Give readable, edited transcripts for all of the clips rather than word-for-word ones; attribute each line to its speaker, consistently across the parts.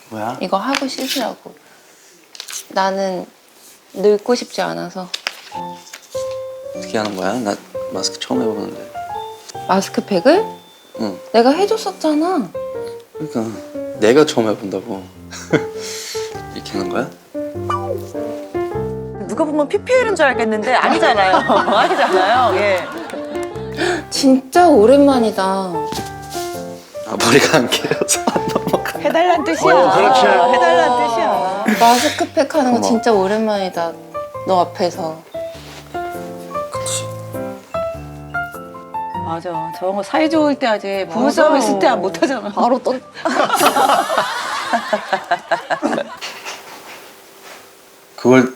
Speaker 1: 뭐야?
Speaker 2: 이거 하고 씻으라고. 나는 늙고 싶지 않아서.
Speaker 1: 어떻게 하는 거야? 나 마스크 처음 해보는데.
Speaker 2: 마스크팩을?
Speaker 1: 응.
Speaker 2: 내가 해줬었잖아.
Speaker 1: 그러니까 내가 처음 해본다고. 이렇게 하는 거야?
Speaker 3: 누가 보면 PPL인 줄 알겠는데 아니잖아요. 아니잖아요. 예.
Speaker 2: 진짜 오랜만이다.
Speaker 1: 아 머리가 안 길어서 안 넘어가.
Speaker 3: 해달란 뜻이야.
Speaker 4: 그렇지.
Speaker 3: 해달란 뜻이야.
Speaker 2: 마스크팩 하는 거
Speaker 1: 어머.
Speaker 2: 진짜 오랜만이다. 너 앞에서.
Speaker 1: 그치.
Speaker 3: 맞아. 저런 거 사이 좋을 때 하지. 부부싸움 했을 때 못 하잖아.
Speaker 2: 바로 또.
Speaker 1: 그걸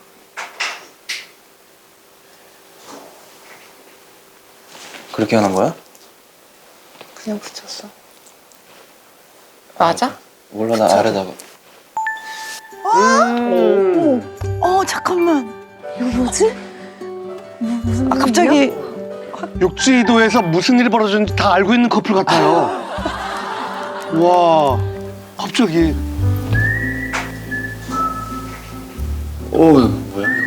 Speaker 1: 그렇게 하는 거야?
Speaker 2: 그냥 붙였어. 맞아?
Speaker 1: 몰라 나 아래다가.
Speaker 3: 잠깐만. 이거 뭐지? 아 갑자기
Speaker 4: 육지도에서 무슨 일이 벌어졌는지 다 알고 있는 커플 같아요. 와, 갑자기.
Speaker 1: 뭐야 이거?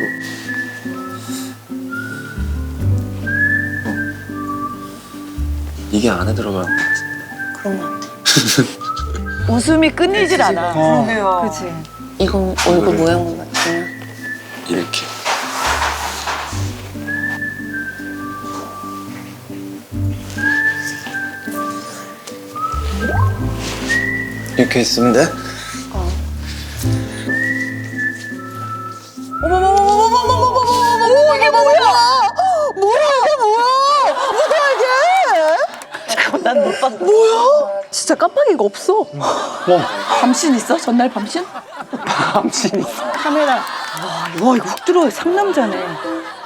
Speaker 1: 이게 안에 들어가는 거 같아.
Speaker 2: 그러면 안 돼.
Speaker 3: 웃음이 끊이질 않아. 그러게요. 그치.
Speaker 2: 이건 얼굴 모양만 맞추면.
Speaker 1: 이렇게. 이렇게 있으면 돼?
Speaker 3: 어머머머머머머머머머머머머 이게 뭐야? 뭐야 이게 뭐야? 뭐야 이게? 잠깐만 난 못 봤어. 뭐야? 진짜 깜빡이가 없어. 밤신 있어? 전날 밤신?
Speaker 4: 밤신 있어.
Speaker 3: 카메라. 와 이거 훅 들어와. 상남자네.